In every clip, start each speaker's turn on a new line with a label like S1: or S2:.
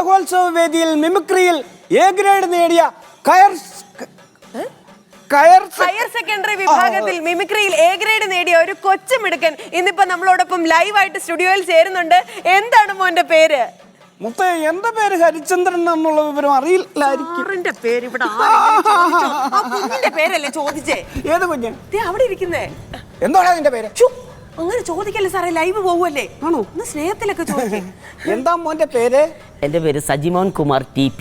S1: കലോത്സവ വേദിയിൽ മിമിക്രിയിൽ എ ഗ്രേഡ് നേടിയ
S2: ഹയർ സെക്കൻഡറി വിഭാഗത്തിൽ മിമിക്രിയിൽ എ ഗ്രേഡ് നേടിയ ഒരു കൊച്ചുമിടുക്കൻ ഇന്നിപ്പോ നമ്മളോടൊപ്പം ലൈവായിട്ട് സ്റ്റുഡിയോയിൽ ചേരുന്നുണ്ട്. എന്താണ് മോന്റെ പേര്?
S1: മുത്തേ, എന്റെ പേര് ഹരിചന്ദ്രൻ എന്നുള്ള വിവരം അറിയില്ലായിരിക്കും.
S2: പേര് ഇവിടെ കുഞ്ഞിന്റെ പേരല്ലേ ചോദിച്ചേ?
S1: ഏത് കുഞ്ഞ്?
S2: അവിടെ ഇരിക്കുന്നേ.
S1: എന്താണ് അതിന്റെ പേര്?
S2: അങ്ങനെ ചോദിക്കല്ലേ സാറേ, ലൈവ് പോവല്ലേ.
S1: ആണോ?
S2: ഒന്ന് സ്നേഹത്തിലൊക്കെ ചോദിക്കും.
S1: എന്താ മോന്റെ പേര്?
S3: എന്റെ പേര് സജിമോൻ കുമാർ TP.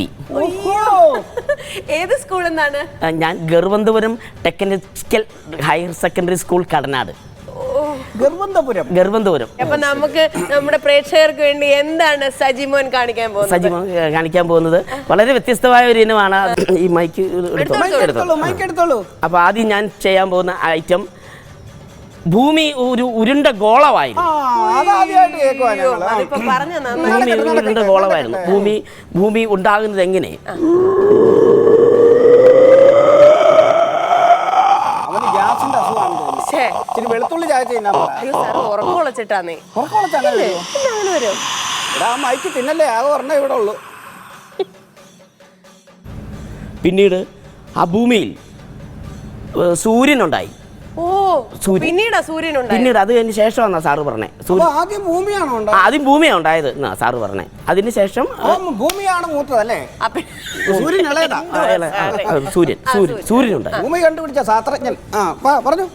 S2: ഏത് സ്കൂൾ എന്നാണ്?
S3: ഞാൻ ഗർവന്തപുരം technical higher secondary school Kadanad. ഗർവന്തപുരം.
S2: അപ്പൊ നമുക്ക് നമ്മുടെ പ്രേക്ഷകർക്ക് വേണ്ടി എന്താണ് സജിമോൻ കാണിക്കാൻ
S3: പോകുന്നത്? വളരെ വ്യത്യസ്തമായ ഒരു ഇനമാണ്. ഈ മൈക്ക്
S1: എടുത്തോളൂ.
S3: അപ്പൊ ആദ്യം ഞാൻ ചെയ്യാൻ പോകുന്ന ഐറ്റം, ഭൂമി ഒരു ഉരുണ്ട ഗോളമായിരുന്നു. ഉരുണ്ട ഗോളമായിരുന്നു. ഭൂമി ഉണ്ടാകുന്നത് എങ്ങനെ?
S1: വെളുത്തുള്ളി ചായ മൈക്ക് തിന്നല്ലേ, ആകെ ഒരെണ്ണം ഇവിടെ ഉള്ളു.
S3: പിന്നീട് ആ ഭൂമിയിൽ സൂര്യനുണ്ടായി.
S2: പിന്നീട്
S3: അത് കഴിഞ്ഞ ശേഷമാണ് സാറ് പറഞ്ഞേ.
S1: ആദ്യം
S3: ഭൂമിയാണ് ഉണ്ടായത് എന്നാ സാറ് പറഞ്ഞേ. അതിനുശേഷം
S1: ഭൂമിയാണ് മൂത്തതല്ലേ?
S3: സൂര്യനുണ്ടായി.
S1: ഭൂമി കണ്ടുപിടിച്ച ശാസ്ത്രജ്ഞൻ പറഞ്ഞു.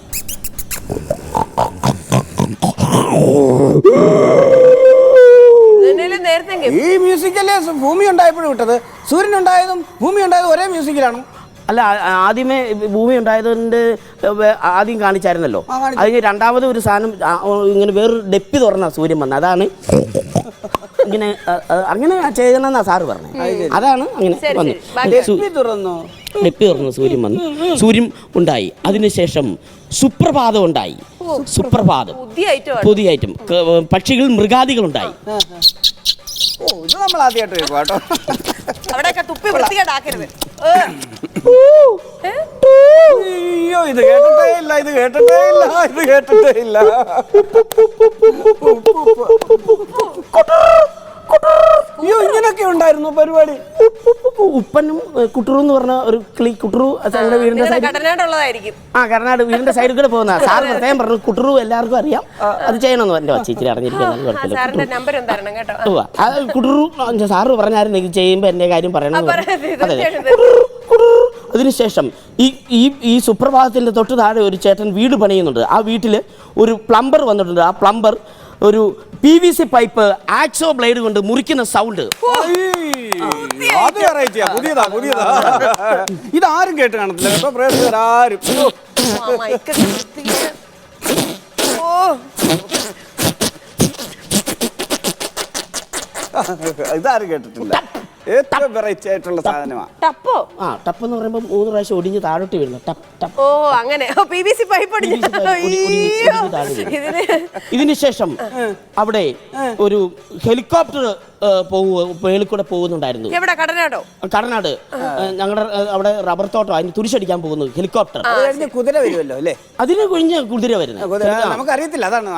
S1: ഈ മ്യൂസിക്കല്ലേ ഭൂമി ഉണ്ടായപ്പോഴും വിട്ടത്? സൂര്യൻ ഉണ്ടായതും ഭൂമി ഉണ്ടായതും ഒരേ മ്യൂസിക്കിലാണ്.
S3: അല്ല, ആദ്യമേ ഭൂമി ഉണ്ടായതുകൊണ്ട് ആദ്യം കാണിച്ചായിരുന്നല്ലോ. അതിന് രണ്ടാമത് ഒരു സാധനം ഇങ്ങനെ വേറൊരു ഡെപ്പി തുറന്ന സൂര്യൻ വന്നത്. അതാണ് അങ്ങനെ ചെയ്യണമെന്നാ സാറ് പറഞ്ഞത്. അതാണ് അങ്ങനെ ഡെപ്പി തുറന്നു സൂര്യൻ വന്നു. സൂര്യൻ ഉണ്ടായി. അതിനുശേഷം സുപ്രഭാതം ഉണ്ടായി. സുപ്രഭാതം പുതിയ ഐറ്റം. പക്ഷികൾ, മൃഗാദികൾ ഉണ്ടായി.
S1: ഇത് നമ്മൾ ആദ്യമായിട്ട് കേട്ടോ.
S2: അവിടെയൊക്കെ തുപ്പി വൃത്തികേടാക്കരുത്.
S1: അയ്യോ, ഇത് കേട്ടിട്ടേ ഇല്ല. അയ്യോ, ഇങ്ങനൊക്കെ ഉണ്ടായിരുന്നു പരിപാടി.
S3: ഉപ്പനും കുട്ടറു എന്ന് പറഞ്ഞ ഒരു കുട്ടറു വീടിന്റെ കർണാട് വീടിന്റെ സൈഡിൽ കൂടെ പോകുന്ന സാറ് പ്രത്യേകം പറഞ്ഞു. കുട്ടറു എല്ലാവർക്കും അറിയാം, അത് ചെയ്യണമെന്ന് എന്റെ വച്ചിരി അറിഞ്ഞിരിക്കുന്നത്. കുട്ടറു സാറ് പറഞ്ഞായിരുന്നു ഇത് ചെയ്യുമ്പോ എന്റെ കാര്യം പറയണം. അതിനുശേഷം ഈ സുപ്രഭാതത്തിന്റെ തൊട്ട് താഴെ ഒരു ചേട്ടൻ വീട് പണിയുന്നുണ്ട്. ആ വീട്ടില് ഒരു പ്ലംബർ വന്നിട്ടുണ്ട്. ആ പ്ലംബർ ഒരു PVC പൈപ്പ് ആക്സോ ബ്ലേഡ് കൊണ്ട് മുറിക്കുന്ന സൗണ്ട്.
S1: ഇതാരും കേട്ട് കാണത്തില്ല കേട്ടോ പ്രേക്ഷകരാരും. ഇതാരും കേട്ടിട്ടില്ല. ഏറ്റവും വെറൈറ്റി ആയിട്ടുള്ള സാധനമാണ്
S2: ടപ്പോ.
S3: ടപ്പ് എന്ന് പറയുമ്പോൾ 3 പ്രാവശ്യം ഒടിഞ്ഞ് താഴോട്ട് വീഴുന്നു.
S2: അങ്ങനെ PVC പൈപ്പ്.
S3: ഇതിനുശേഷം അവിടെ ഒരു ഹെലികോപ്റ്റർ മേളിക്കൂടെ പോകുന്നുണ്ടായിരുന്നു. കടനാട് ഞങ്ങളുടെ അവിടെ റബ്ബർ തോട്ടം. അതിന് തുരിശടിക്കാൻ പോകുന്നു ഹെലികോപ്റ്റർ.
S1: കുതിര വരുമല്ലോ അല്ലേ?
S3: അതിന് കഴിഞ്ഞ് കുതിര വരുന്നത്
S1: നമുക്കറിയത്തില്ല. അതാണ്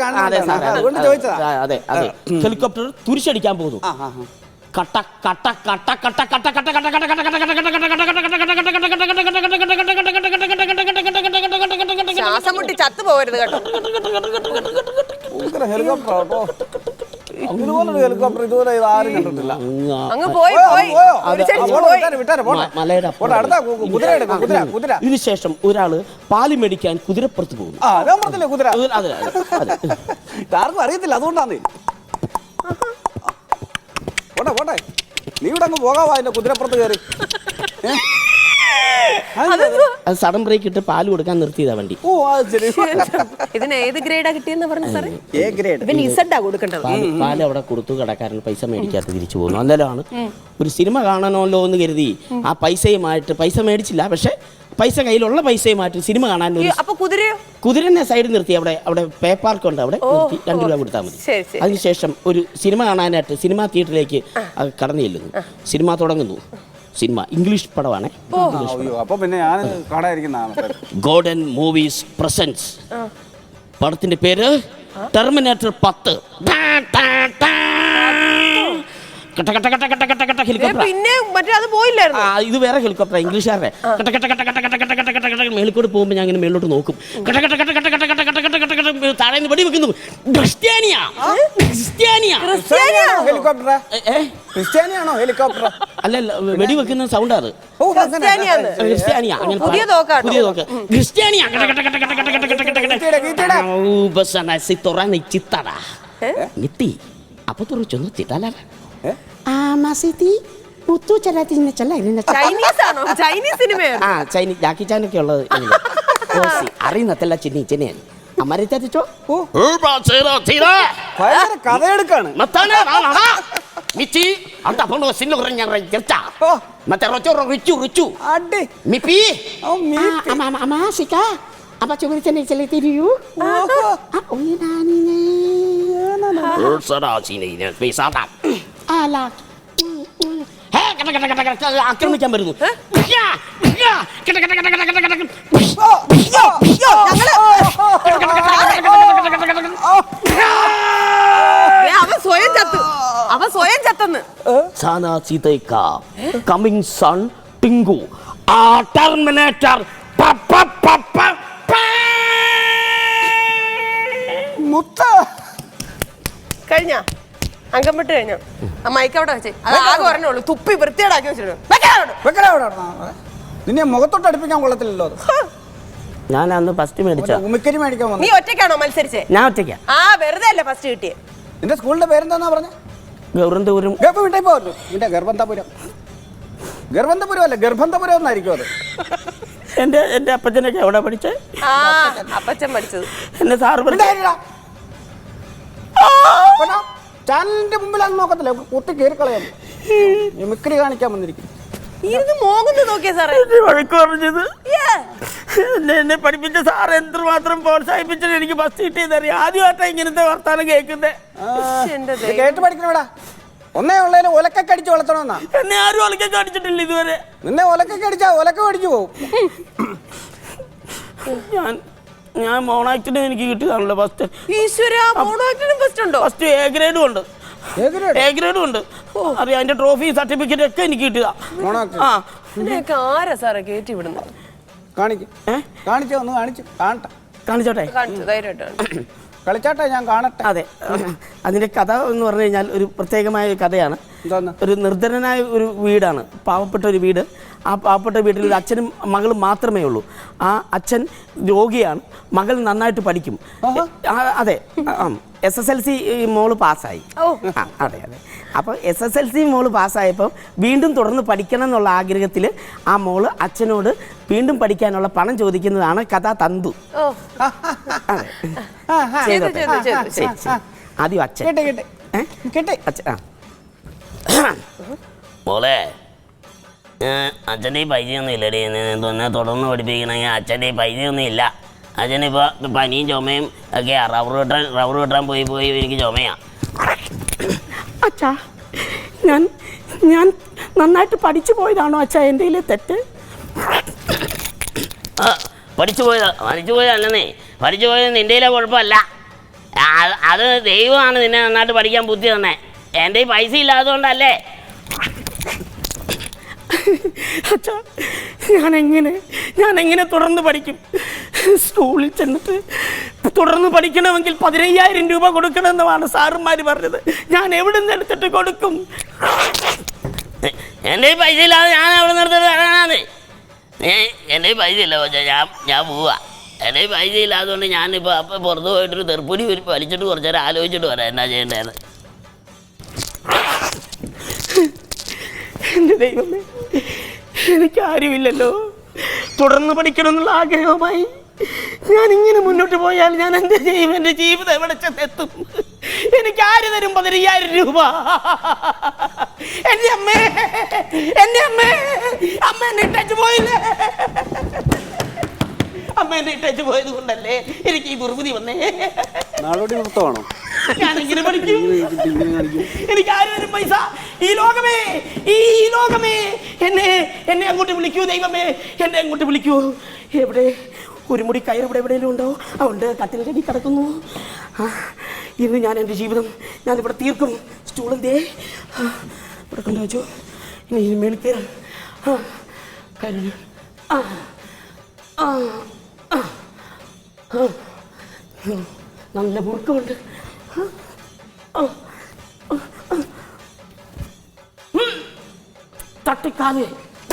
S3: അതെ. ഹെലികോപ്റ്റർ തുരിശടിക്കാൻ പോകുന്നു. കട്ട കട്ട കട്ട കട്ട കട്ട കട്ട കട്ട കട്ട കട്ട
S2: ശ്വാസം മുട്ടി ചത്തു പോകരുത് കേട്ടോ.
S1: ഹെലികോപ്റ്റർ ഇതുവരെ ആരും കണ്ടിട്ടില്ല.
S3: ഇതിനുശേഷം ഒരാള് പാല് മേടിക്കാൻ കുതിരപ്പുറത്ത് പോകുന്നു.
S1: ആർക്കും അറിയത്തില്ല, അതുകൊണ്ടാണ്. പോട്ടെ, നീ ഇവിടെ അങ്ങ് പോകാവാ അതിന്റെ കുതിരപ്പുറത്ത് കയറി.
S3: അത് സഡൻ ബ്രേക്ക് ഇട്ട് പാല് കൊടുക്കാൻ നിർത്തിയതാ വണ്ടി.
S2: ഇതിന് ഏത് ഗ്രേഡാ കിട്ടിയെന്ന് പറഞ്ഞു സാറേ?
S1: A grade.
S3: പാല് അവിടെ കൊടുത്തു. കടക്കാരൻ പൈസ മേടിക്കാത്ത തിരിച്ചു പോകുന്നു. അന്നേരമാണ് ഒരു സിനിമ കാണണമല്ലോ എന്ന് കരുതി ആ പൈസ മേടിച്ചില്ല. പക്ഷെ പൈസ കയ്യിലുള്ള പൈസയുമായിട്ട് സിനിമ കാണാൻ കുതിരനെ സൈഡിൽ നിർത്തി. അവിടെ പേ പാർക്ക് ഉണ്ട്. അവിടെ 2 രൂപ കൊടുത്താൽ മതി. അതിനുശേഷം ഒരു സിനിമ കാണാനായിട്ട് സിനിമാ തിയേറ്ററിലേക്ക് കടന്നു ചെല്ലുന്നു. സിനിമ തുടങ്ങുന്നു. സിനിമ ഇംഗ്ലീഷ് പടമാണ്. Golden movies presents. പടത്തിന്റെ പേര് ടെർമിനേറ്റർ 10. ഹെലികോപ്റ്റർ.
S2: പിന്നെ മറ്റേ അത് പോയില്ലായിരുന്നു.
S3: ഇത് വേറെ ഹെലികോപ്റ്റർ, ഇംഗ്ലീഷുകാരുടെ. മേളിൽ കൂടെ പോകുമ്പോൾ ഞാൻ ഇങ്ങനെ മേളിലോട്ട് നോക്കും. താഴെ നിന്ന് വെടി വെക്കുന്നു.
S1: ക്രിസ്ത്യാനിയാണോ ഹെലികോപ്റ്റർ?
S3: അല്ലല്ല, വെടി വെക്കുന്ന സൗണ്ട് അത്. ക്രിസ്ത്യാനിയാ.
S2: പുതിയ തോക്ക്.
S3: ക്രിസ്ത്യാനിയാ. Apa tuh lucu nih Cita lah? Masih ti butuh cara tinggal celah ini.
S2: Chinese ആണോ? ചൈനീസ് സിനിമയാണ്.
S3: Chinese Jackie Chan ഒക്കെ ഉള്ളത്. Oh si, അറിയുന്നതല്ല ചിനി. അമരത്തെ ചോ.
S1: ഭയങ്കര കഥയെടുക്കാണ്.
S3: മത്താനെ വാ. മിച്ചി അടുത്ത അപ്പോൾ സിനിമ കുറഞ്ഞ ചെർച്ച. മറ്റേ റിച്ചു.
S1: അടി.
S3: മിപ്പി.
S1: ഓ മിപ്പി.
S3: അമാസിക. Apa coba cari tiru? Oh ini nani. Saudara sini ini bisa tak? Alah. Hei, kata. Akhirnya jam baru. Ya. Kata.
S2: അവൻ സ്വയം ചത്തെന്ന്.
S3: Sana Citeka. Coming son Tinggu. Terminator. Papa.
S1: മുത്ത
S2: കഴിഞ്ഞ അങ്കംപെട്ട് കഴിഞ്ഞ മൈക്ക് അവിടെ വെച്ചേ. അത് ആകെ പറഞ്ഞോളൂ. തുപ്പി വൃത്തിയേടാക്കി വെച്ചിട്ടുണ്ട്.
S1: നിന്നെ മുഖത്തോട്ട് അടുപ്പിക്കാൻ കൊള്ളത്തില്ലല്ലോ അത്.
S3: ഞാൻ അന്ന് ഫസ്റ്റ് മേടിച്ച
S1: ഉമിക്കരി മേടിക്കാൻ വന്നു.
S2: നീ ഒറ്റയ്ക്കാണോ മത്സരിച്ചേ?
S3: ഞാൻ ഒറ്റയ്ക്കാ.
S2: വെറുതെ അല്ല ഫസ്റ്റ് കിട്ടിയേ.
S1: നിന്റെ സ്കൂളിന്റെ പേരെന്താന്നാ പറഞ്ഞ?
S3: ഗൗരന്തപുരം.
S1: വിട്ടേ പോകല്ലോ. നിന്റെ ഗർഭന്തപുരം അല്ല, ഗർഭന്തപുരം എന്നായിരിക്കും അത്.
S3: എന്റെ അപ്പച്ചനൊക്കെ എവിടെ പഠിച്ചേ?
S2: അപ്പച്ചൻ പഠിച്ചത്.
S3: എന്നെ സാറ്
S1: ചാനലിന്റെ മുമ്പിലാന്ന് നോക്കത്തില്ല, കുത്തി കയറി കളയാൻ. മിമിക്രി കാണിക്കാൻ വന്നിരിക്കും.
S3: വഴക്ക് പറഞ്ഞത് എന്നെ പഠിപ്പിച്ച സാർ എന്തുമാത്രം പ്രോത്സാഹിപ്പിച്ചിട്ട് എനിക്ക് ഫസ്റ്റ് കിട്ടിയതറിയാം. ആദ്യമായിട്ടാണ് ഇങ്ങനത്തെ വർത്താനം കേൾക്കുന്നത്.
S1: കേട്ട് പഠിക്കണടാ. ഒന്നേ ഉള്ളതിന് ഒലക്കൊക്കെ അടിച്ച് വളർത്തണമെന്നാ.
S3: എന്നെ ആരും ഒലക്കൊക്കെ അടിച്ചിട്ടില്ല ഇതുവരെ.
S1: നിന്നെ ഒലക്കൊക്കെ അടിച്ചാ ഒലക്ക അടിച്ചു പോകും.
S3: ഞാൻ മോണാക്ടിന് എനിക്ക് കിട്ടിയതാണല്ലോ ഫസ്റ്റ്. ഫസ്റ്റ് എ ഗ്രേഡും ഉണ്ട്. അറിയാം, അതിന്റെ ട്രോഫി സർട്ടിഫിക്കറ്റ് ഒക്കെ എനിക്ക് കിട്ടിയതാ. കാണിച്ചോട്ടെ.
S1: കളിച്ചാട്ടെ, ഞാൻ കാണട്ടെ.
S3: അതെ, അതിന്റെ കഥ എന്ന് പറഞ്ഞു കഴിഞ്ഞാൽ ഒരു പ്രത്യേകമായ ഒരു കഥയാണ്. ഒരു നിർധനനായ ഒരു വീടാണ്, പാവപ്പെട്ട ഒരു വീട്. ആ പാവപ്പെട്ട വീട്ടിൽ ഒരു അച്ഛനും മകളും മാത്രമേ ഉള്ളൂ. ആ അച്ഛൻ രോഗിയാണ്, മകൾ നന്നായിട്ട് പഠിക്കും. അതെ, SSLC മോള് പാസ്സായി. അതെ. അപ്പോൾ SSLC മോള് പാസ്സായപ്പോൾ വീണ്ടും തുടർന്ന് പഠിക്കണം എന്നുള്ള ആഗ്രഹത്തിൽ ആ മോള് അച്ഛനോട് വീണ്ടും പഠിക്കാനുള്ള പണം ചോദിക്കുന്നതാണ് കഥാ തന്തു. ആദ്യം അച്ഛൻ
S4: മോളെ, അച്ഛൻ്റെ പൈസയൊന്നും ഇല്ലടി. എന്നെ തുടർന്ന് പഠിപ്പിക്കണമെങ്കിൽ അച്ഛൻ്റെ പൈസയൊന്നും ഇല്ല. അച്ഛനിപ്പോൾ പനിയും ചുമയും ഒക്കെ റബ്ബർ വെട്ടാൻ പോയി എനിക്ക് ചുമയാ.
S3: അച്ഛാ, ഞാൻ നന്നായിട്ട് പഠിച്ചു പോയതാണോ അച്ഛാ എൻ്റെ തെറ്റ്?
S4: പഠിച്ചു പോയതല്ലെന്നേ. പഠിച്ചു പോയത് നിൻ്റെ കുഴപ്പമല്ല. അത് ദൈവമാണ് നിന്നെ നന്നായിട്ട് പഠിക്കാൻ ബുദ്ധി തന്നെ. എൻ്റെ പൈസ ഇല്ലാത്തതുകൊണ്ടല്ലേ.
S3: അച്ഛാ, ഞാനെങ്ങനെ തുടർന്ന് പഠിക്കും? സ്കൂളിൽ ചെന്നിട്ട് തുടർന്ന് പഠിക്കണമെങ്കിൽ 15,000 രൂപ കൊടുക്കണമെന്നാണ് സാറുമാർ പറഞ്ഞത്. ഞാൻ എവിടെ നിന്ന് എടുത്തിട്ട് കൊടുക്കും?
S4: എൻ്റെ പൈസ ഇല്ലാതെ ഞാൻ എവിടെ നിന്ന് എടുത്തിട്ട് തരാനാണ്? എൻ്റെ പൈസ ഇല്ല പക്ഷേ ഞാൻ പോവാ. എൻ്റെ പൈസ ഇല്ലാത്തതുകൊണ്ട് ഞാനിപ്പോൾ അപ്പം പുറത്ത് പോയിട്ടൊരു തെർപ്പുടി വലിച്ചിട്ട് കുറച്ച് നേരം ആലോചിച്ചിട്ട് വരാം എന്നാ ചെയ്യേണ്ടതെന്ന്.
S3: എൻ്റെ ദൈവമേ, എനിക്കാരുമില്ലല്ലോ. തുടർന്ന് പഠിക്കണമെന്നുള്ള ആഗ്രഹവുമായി ഞാനിങ്ങനെ മുന്നോട്ട് പോയാൽ ഞാൻ എൻ്റെ ജീവിതം എവിടെ ചെന്നെത്തും? എനിക്ക് ആര് തരും 15,000 രൂപ? എൻ്റെ അമ്മ എന്നെ ഇട്ടു പോയില്ലേ? അമ്മ എന്നെ ഇട്ടു പോയത് കൊണ്ടല്ലേ എനിക്ക് ഈ ദുർബുദ്ധി വന്നേ. ഞാനെങ്ങനെ പഠിക്കും? എനിക്ക് ആര് തരും പൈസ? ഈ ലോകമേ എന്നെ അങ്ങോട്ട് വിളിക്കൂ. ദൈവമേ, എന്നെ അങ്ങോട്ട് വിളിക്കൂ. എവിടെ ഒരു മുടി കയർ എവിടെയെങ്കിലും ഉണ്ടോ? അതുകൊണ്ട് കട്ടിലിൻ്റെ അടി കിടക്കുന്നു. ഇന്ന് ഞാൻ എൻ്റെ ജീവിതം ഞാനിവിടെ തീർക്കും. സ്റ്റൂളിൻ്റെ ഇവിടെ കൊണ്ട് വെച്ചു. ഇനി ഇത് മേളിൽ കയറാം. ആ കയറി. ആ ആ ആ ആ. നല്ല മുറുക്കമുണ്ട്. തട്ടിക്കാതെ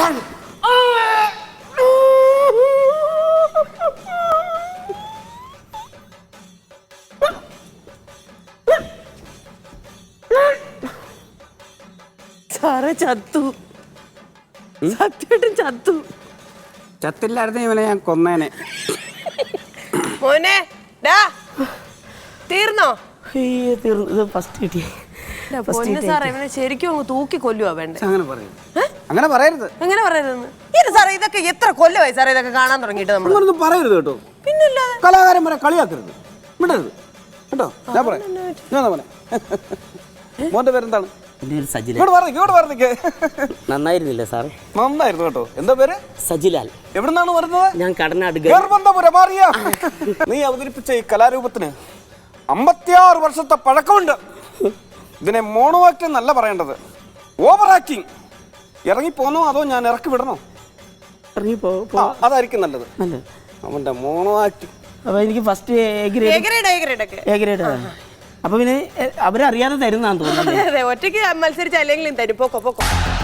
S2: സാറേ ചത്തു, സത്യമായിട്ടും ചത്തു.
S1: ചത്തില്ലായിരുന്നു ഇവനെ ഞാൻ കൊന്നേനെ.
S2: മോനെ ഡാ തീർന്നോ?
S3: ഇത് ഫസ്റ്റ് കിട്ടിയ
S2: പൊന്നു സാറേ ഇവനെ ശരിക്കും അങ്ങ് തൂക്കി കൊല്ലുവാ വേണ്ടേ?
S1: അങ്ങനെ പറയരുത്, അങ്ങനെ പറയരുത്,
S2: എങ്ങനെ പറയരുതെന്ന്? ഇത് സാറേ ഇതൊക്കെ എത്ര കൊല്ലമായി സാറേ ഇതൊക്കെ കാണാൻ തുടങ്ങിയിട്ട് നമ്മൾ?
S1: അങ്ങനൊന്നും പറയരുത് കേട്ടോ.
S2: പിന്നല്ലാതെ
S1: കലാകാരന്മാരെ കളിയാക്കരുത്, വിടരുത് കേട്ടോ. ഞാൻ പറയാം, ഞാൻ പറയാം. മോന്റെ പേരെന്താണ്?
S3: എൻ്റെ പേര് സജിലാൽ.
S1: ഇങ്ങോട്ട് പറഞ്ഞിക്ക്.
S3: നന്നായിരുന്നില്ല സാറേ?
S1: നന്നായിരുന്നു കേട്ടോ. എന്താ പേര്?
S3: സജിലാൽ.
S1: എവിടുന്നാണ് വരുന്നത്?
S3: ഞാൻ കടനാട്.
S1: നീ അവതരിപ്പിച്ച ഈ കലാരൂപത്തിന് 56 വർഷത്തെ പഴക്കമുണ്ട്. ഇതിനെ മോണോ ആക്ടിംഗ് എന്നല്ല പറയേണ്ടത്, ഓവർ ആക്ടിങ്. ഇറങ്ങി പോന്നോ അതോ ഞാൻ ഇറക്കി വിടണോ?
S3: ഇറങ്ങി
S1: അതായിരിക്കും നല്ലത്. അവന്റെ മോണോ ആക്ടിങ്.
S3: അപ്പൊ എനിക്ക് ഫസ്റ്റ് എ ഗ്രേഡ്. അപ്പൊ പിന്നെ അവരറിയാതെ തരുന്നാന്ന് തോന്നുന്നു.
S2: ഒറ്റയ്ക്ക് മത്സരിച്ച അല്ലെങ്കിൽ തരും. പോക്കോ